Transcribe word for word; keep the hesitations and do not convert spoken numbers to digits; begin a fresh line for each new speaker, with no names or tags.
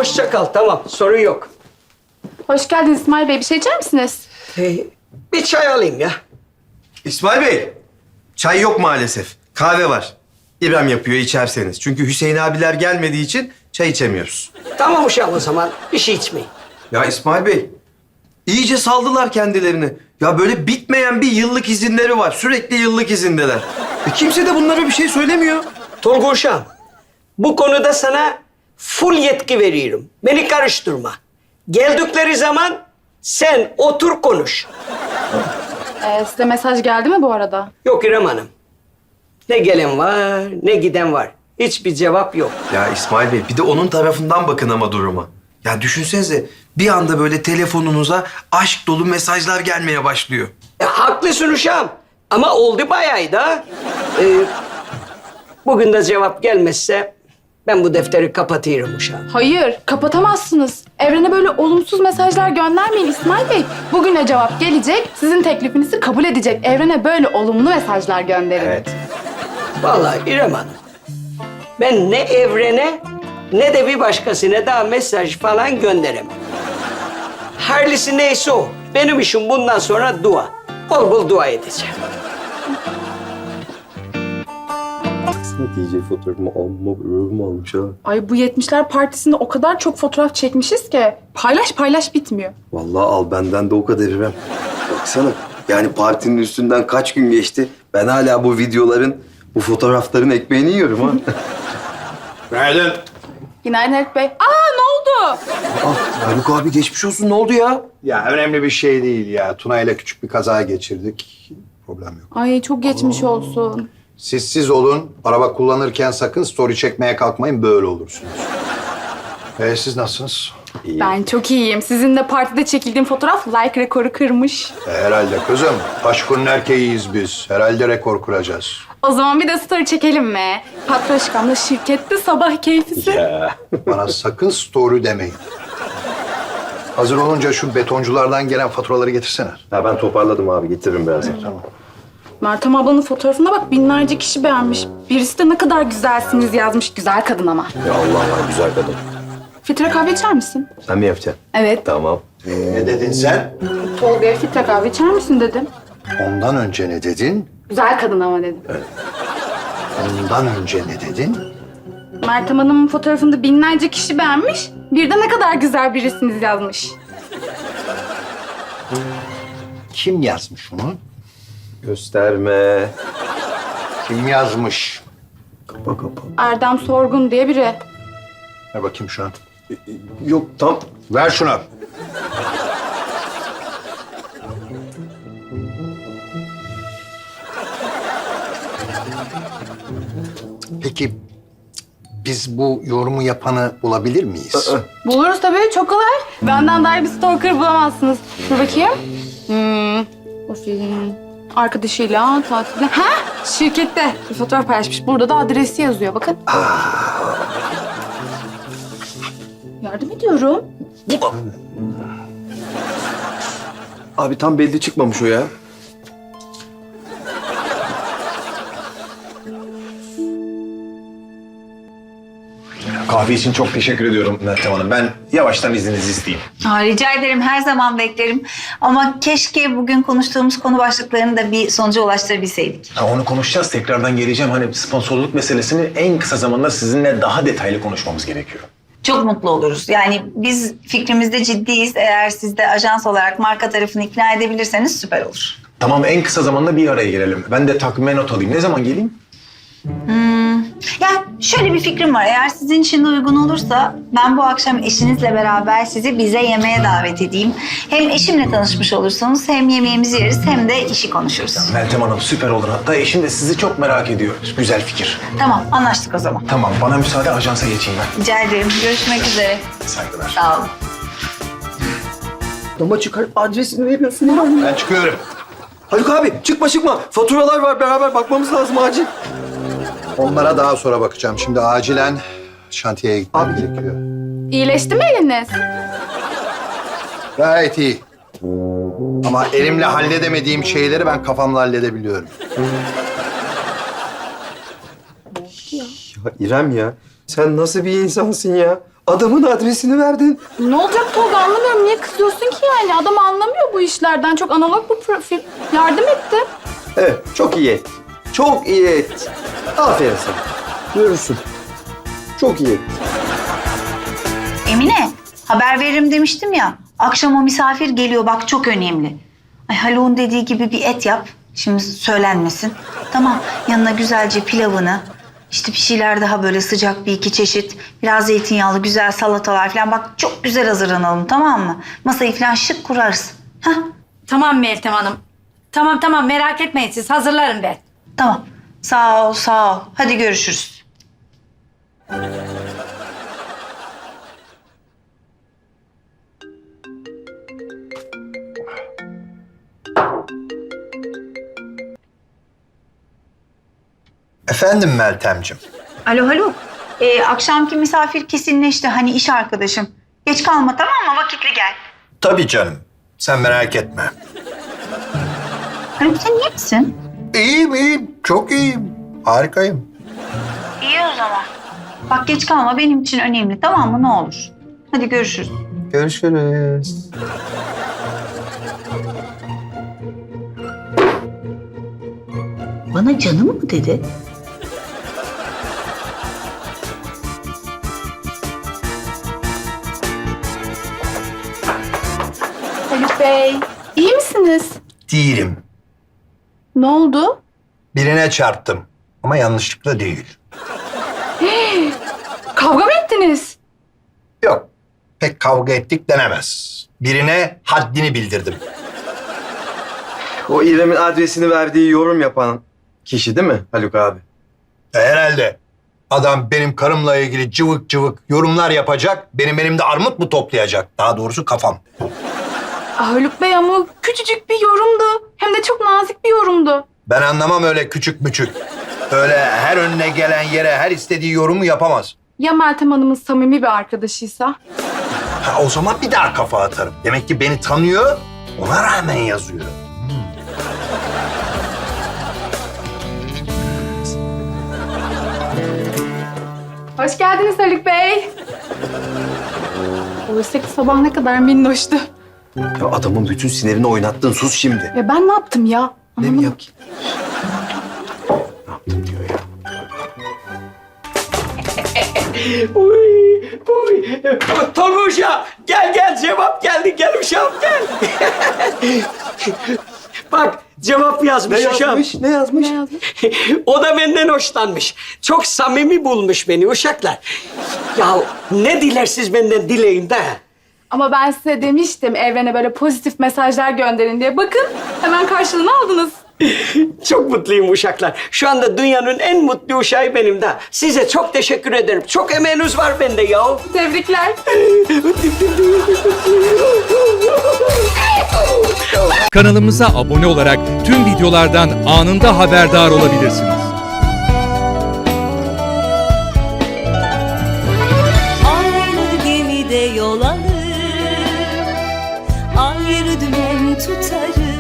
hoşça kal. Tamam, sorun yok.
Hoş geldiniz İsmail Bey. Bir şey içer misiniz?
Ee, bir çay alayım ya.
İsmail Bey, çay yok maalesef. Kahve var. İbrahim yapıyor içerseniz. Çünkü Hüseyin abiler gelmediği için çay içemiyoruz.
Tamam uşağım o zaman. Bir şey içmeyin.
Ya İsmail Bey, iyice saldılar kendilerini. Ya böyle bitmeyen bir yıllık izinleri var. Sürekli yıllık izindeler. E kimse de bunlara bir şey söylemiyor.
Tolga uşağım, bu konuda sana full yetki veriyorum. Beni karıştırma. Geldikleri zaman sen otur konuş.
Ee, size mesaj geldi mi bu arada?
Yok İrem Hanım. Ne gelen var, ne giden var. Hiçbir cevap yok.
Ya İsmail Bey, bir de onun tarafından bakın ama duruma. Ya düşünsenize, bir anda böyle telefonunuza aşk dolu mesajlar gelmeye başlıyor.
E, haklısın uşağım. Ama oldu bayağı da. Ee, bugün de cevap gelmezse ben bu defteri kapatıyorum uşağım.
Hayır, kapatamazsınız. Evrene böyle olumsuz mesajlar göndermeyin İsmail Bey. Bugüne cevap gelecek, sizin teklifinizi kabul edecek. Evrene böyle olumlu mesajlar gönderin.
Evet.
Vallahi İrem Hanım, ben ne evrene ne de bir başkasına daha mesaj falan gönderemem. Hayırlısı neyse o. Benim işim bundan sonra dua. Bol bol dua edeceğim.
D J fotoğrafımı alma, ürümü almış ha.
Ay bu yetmişler partisinde o kadar çok fotoğraf çekmişiz ki paylaş paylaş bitmiyor.
Vallahi al benden de o kadar İrem. Baksana, yani partinin üstünden kaç gün geçti. Ben hala bu videoların, bu fotoğrafların ekmeğini yiyorum ha.
Günaydın.
Günaydın Haluk Bey. Aa ne oldu?
Ah, Haluk abi geçmiş olsun. Ne oldu ya?
Ya önemli bir şey değil ya. Tuna ile küçük bir kaza geçirdik. Problem yok.
Ay çok geçmiş olsun.
Siz siz olun. Araba kullanırken sakın story çekmeye kalkmayın. Böyle olursunuz. Ee, siz nasılsınız?
Ben çok iyiyim. Sizin de partide çekildiğim fotoğraf like rekoru kırmış.
E, herhalde kızım. Aşkın erkeğiyiz biz. Herhalde rekor kuracağız.
O zaman bir de story çekelim mi? Patroşkamla şirkette sabah keyfisi.
Bana sakın story demeyin. Hazır olunca şu betonculardan gelen faturaları getirsene.
Ya ben toparladım abi. Getiririm birazdan.
Tamam.
Meltem ablanın fotoğrafına bak binlerce kişi beğenmiş. Birisi de ne kadar güzelsiniz yazmış. Güzel kadın ama.
Ya Allah Allah, güzel kadın.
Filtre kahve içer misin?
Sen mi yapacaksın?
Evet.
Tamam.
Ne dedin sen?
Tolga'ya filtre kahve içer misin dedim.
Ondan önce ne dedin?
Güzel kadın ama dedim.
Ondan önce ne dedin?
Meltem Hanım'ın fotoğrafında binlerce kişi beğenmiş. Bir de ne kadar güzel birisiniz yazmış.
Kim yazmış onu?
Gösterme.
Kim yazmış?
Kapa kapa.
Erdem Sorgun diye biri.
Ver bakayım şuna.
Yok tam.
Ver şunu. Peki biz bu yorumu yapanı bulabilir miyiz?
Buluruz tabii, çok kolay. Benden daha iyi bir stalker bulamazsınız. Dur bakayım. Hmm. O film. Arkadaşıyla tatilde. Ha? Şirkette bir fotoğraf paylaşmış. Burada da adresi yazıyor. Bakın. Yardım ediyorum.
Abi tam belli çıkmamış o ya.
Kahve için çok teşekkür ediyorum Meltem Hanım. Ben yavaştan izninizi isteyeyim.
Aa, rica ederim, her zaman beklerim. Ama keşke bugün konuştuğumuz konu başlıklarını da bir sonuca ulaştırabilseydik.
Ha, onu konuşacağız. Tekrardan geleceğim. Hani sponsorluk meselesini en kısa zamanda sizinle daha detaylı konuşmamız gerekiyor.
Çok mutlu oluruz. Yani biz fikrimizde ciddiyiz. Eğer siz de ajans olarak marka tarafını ikna edebilirseniz süper olur.
Tamam, en kısa zamanda bir araya gelelim. Ben de takvime not alayım. Ne zaman geleyim?
Ya şöyle bir fikrim var. Eğer sizin için de uygun olursa ben bu akşam eşinizle beraber sizi bize yemeğe davet edeyim. Hem eşimle tanışmış olursunuz, hem yemeğimizi yeriz, hem de işi konuşuruz.
Meltem Hanım süper olur. Hatta eşim de sizi çok merak ediyor. Güzel fikir.
Tamam, anlaştık o zaman.
Tamam, bana müsaade, ajansa geçeyim ben.
Rica ederim. Görüşmek üzere.
Saygılar.
Sağ olun.
Ama çıkar adresini veriyorsun ya.
Ben çıkıyorum.
Haluk abi çıkma çıkma. Faturalar var, beraber bakmamız lazım acil.
Onlara daha sonra bakacağım. Şimdi acilen şantiyeye gitmem gerekiyor.
İyileşti mi eliniz?
Gayet iyi. Ama elimle halledemediğim şeyleri ben kafamla halledebiliyorum.
Ya İrem ya, sen nasıl bir insansın ya? Adamın adresini verdin.
Ne olacak Tolga anlamıyorum. Niye kızıyorsun ki yani? Adam anlamıyor bu işlerden. Çok analog bu profil. Yardım etti.
Evet, çok iyi et. Çok iyi et. Aferin sana. Görürsün. Çok iyi et.
Emine, haber veririm demiştim ya. Akşam o misafir geliyor, bak çok önemli. Ay Haluk'un dediği gibi bir et yap. Şimdi söylenmesin. Tamam, yanına güzelce pilavını, işte bir şeyler daha böyle sıcak bir iki çeşit, biraz zeytinyağlı güzel salatalar falan. Bak çok güzel hazırlanalım, tamam mı? Masayı falan şık kurarız. Hah,
Tamam Meltem Hanım. Tamam tamam merak etmeyin siz hazırlarım ben.
tamam. Sağ ol, sağ ol. Hadi görüşürüz.
Efendim Meltemciğim.
Alo Haluk. Ee, akşamki misafir kesinleşti. Hani iş arkadaşım. Geç kalma tamam mı? Vakitli gel.
Tabii canım. Sen merak etme.
Haluk sen iyi misin?
İyiyim iyiyim. Çok iyiyim. Harikayım.
İyi o zaman. Bak geç kalma benim için önemli tamam mı ne olur. Hadi görüşürüz.
Görüşürüz.
Bana canım mı dedi?
Haluk Bey, iyi misiniz?
Değilim.
Ne oldu?
Birine çarptım. Ama yanlışlıkla değil.
Kavga mı ettiniz?
Yok. Pek kavga ettik denemez. Birine haddini bildirdim.
O İrem'in adresini verdiği yorum yapan kişi değil mi Haluk abi?
E, herhalde. Adam benim karımla ilgili cıvık cıvık yorumlar yapacak. Benim elimde armut mu toplayacak? Daha doğrusu kafam.
Ah, Haluk Bey ama o küçücük bir yorumdu. Hem de çok nazik bir yorumdu.
Ben anlamam öyle küçük müçük. Öyle her önüne gelen yere her istediği yorumu yapamaz.
Ya Meltem Hanım'ın samimi bir arkadaşıysa?
Ha, o zaman bir daha kafa atarım. Demek ki beni tanıyor, ona rağmen yazıyor.
Hoş geldiniz Haluk Bey. Oysa ki sabah ne kadar minnoştu.
Ya adamın bütün sinirini oynattın. Sus şimdi.
Ya ben ne yaptım ya?
Ne mi
Anlamadım
yap?
ki.
Ne yaptın diyor ya.
Uy, uy. Tolga uşağım, gel gel cevap geldi. Gel uşağım gel. Bak cevap yazmış
Ne
uşağım.
yazmış? Ne yazmış?
Ne yazmış?
O da benden hoşlanmış. Çok samimi bulmuş beni uşaklar. Ya ne dilersiniz benden dileyin de.
Ama ben size demiştim evrene böyle pozitif mesajlar gönderin diye. Bakın hemen karşılığını aldınız.
Çok mutluyum uşaklar. Şu anda dünyanın en mutlu uşağı benim de. Size çok teşekkür ederim. Çok emeğiniz var bende ya.
Tebrikler.
Kanalımıza abone olarak tüm videolardan anında haberdar olabilirsiniz.
Aynı gemide yol alır, ayrı dümen tutarız.